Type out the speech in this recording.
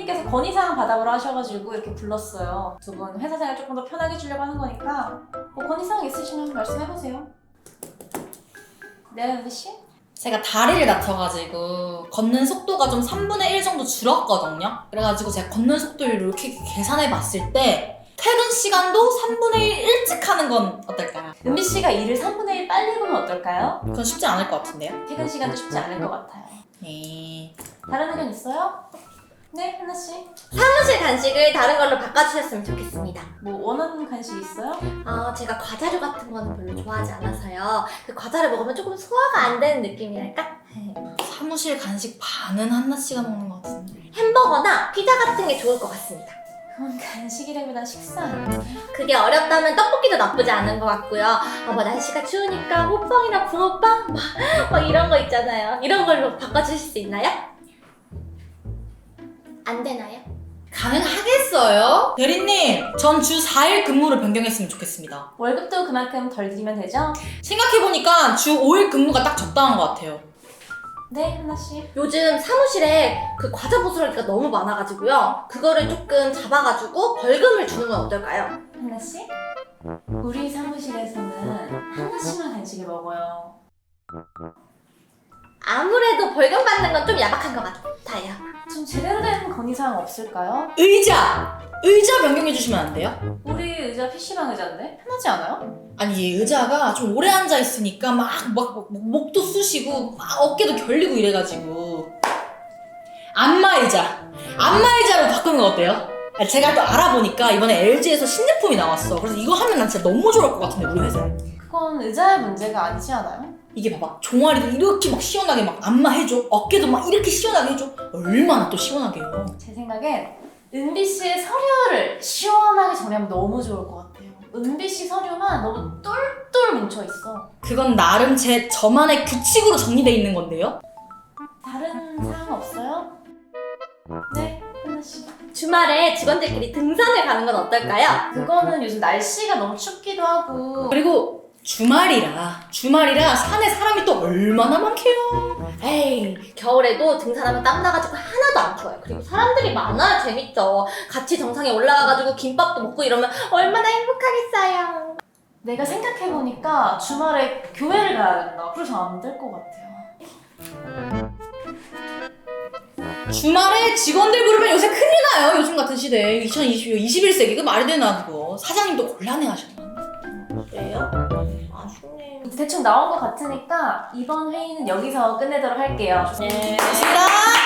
대리님께서 건의사항 받아보러 하셔가지고 이렇게 불렀어요. 두 분 회사 생활 조금 더 편하게 해주려고 하는 거니까 뭐 건의사항 있으시면 말씀해보세요. 네, 은비씨? 제가 다리를 다쳐가지고 걷는 속도가 좀 3분의 1 정도 줄었거든요. 그래가지고 제가 걷는 속도를 이렇게 계산해봤을 때 퇴근 시간도 3분의 1 일찍 하는 건 어떨까요? 은비씨가 일을 3분의 1 빨리 보면 어떨까요? 그건 쉽지 않을 것 같은데요? 퇴근 시간도 쉽지 않을 것 같아요. 네. 다른 의견 있어요? 네, 하나씨? 사무실 간식을 다른 걸로 바꿔주셨으면 좋겠습니다. 뭐 원하는 간식 있어요? 제가 과자류 같은 거는 별로 좋아하지 않아서요. 그 과자를 먹으면 조금 소화가 안 되는 느낌이랄까? 사무실 간식 반은 한나씨가 먹는 것 같은데. 햄버거나 피자 같은 게 좋을 것 같습니다. 그건 간식이라기보단 식사 아니에요? 그게 어렵다면 떡볶이도 나쁘지 않은 것 같고요. 뭐 날씨가 추우니까 호빵이나 붕어빵? 막 이런 거 있잖아요. 이런 걸로 바꿔주실 수 있나요? 안 되나요? 가능하겠어요? 대리님, 전 주 4일 근무를 변경했으면 좋겠습니다. 월급도 그만큼 덜 드리면 되죠? 생각해보니까 주 5일 근무가 딱 적당한 것 같아요. 네, 하나씨? 요즘 사무실에 그 과자 부스러기가 너무 많아가지고요. 그거를 조금 잡아가지고 벌금을 주는 건 어떨까요? 하나씨? 우리 사무실에서는 하나씩만 간식을 먹어요. 아무래도 벌금 받는 건 좀 야박한 것 같아요. 좀 제대로 된 건의사항 없을까요? 의자! 의자 변경해주시면 안 돼요? 우리 의자 PC방 의자인데? 편하지 않아요? 아니 얘 의자가 좀 오래 앉아있으니까 막 목도 쑤시고 막 어깨도 결리고 이래가지고 안마 의자로 바꾸는 거 어때요? 제가 또 알아보니까 이번에 LG에서 신제품이 나왔어. 그래서 이거 하면 난 진짜 너무 좋을 것 같은데 우리 회사에. 그건 의자의 문제가 아니지 않아요? 이게 봐봐, 종아리도 이렇게 막 시원하게 막 안마해줘. 어깨도 막 이렇게 시원하게 해줘. 얼마나 또 시원하게 해요. 제 생각엔 은비씨의 서류를 시원하게 정리하면 너무 좋을 것 같아요. 은비씨 서류만 너무 똘똘 뭉쳐있어. 그건 나름 저만의 규칙으로 정리돼 있는 건데요. 다른 사항 없어요? 네, 하나씨. 주말에 직원들끼리 등산을 가는 건 어떨까요? 그거는 요즘 날씨가 너무 춥기도 하고 그리고 주말이라 산에 사람이 또 얼마나 많게요. 에이, 겨울에도 등산하면 땀 나가지고 하나도 안 추워요. 그리고 사람들이 많아야 재밌죠. 같이 정상에 올라가가지고 김밥도 먹고 이러면 얼마나 행복하겠어요. 내가 생각해보니까 주말에 교회를 가야 된다. 그래서 안 될 것 같아요. 주말에 직원들 부르면 요새 큰일 나요. 요즘 같은 시대에 21세기 그 말이 되나 그거. 사장님도 곤란해하셨나. 그래요? 아쉽네요. 대충 나온 것 같으니까 이번 회의는 여기서 끝내도록 할게요. 네. 고맙습니다.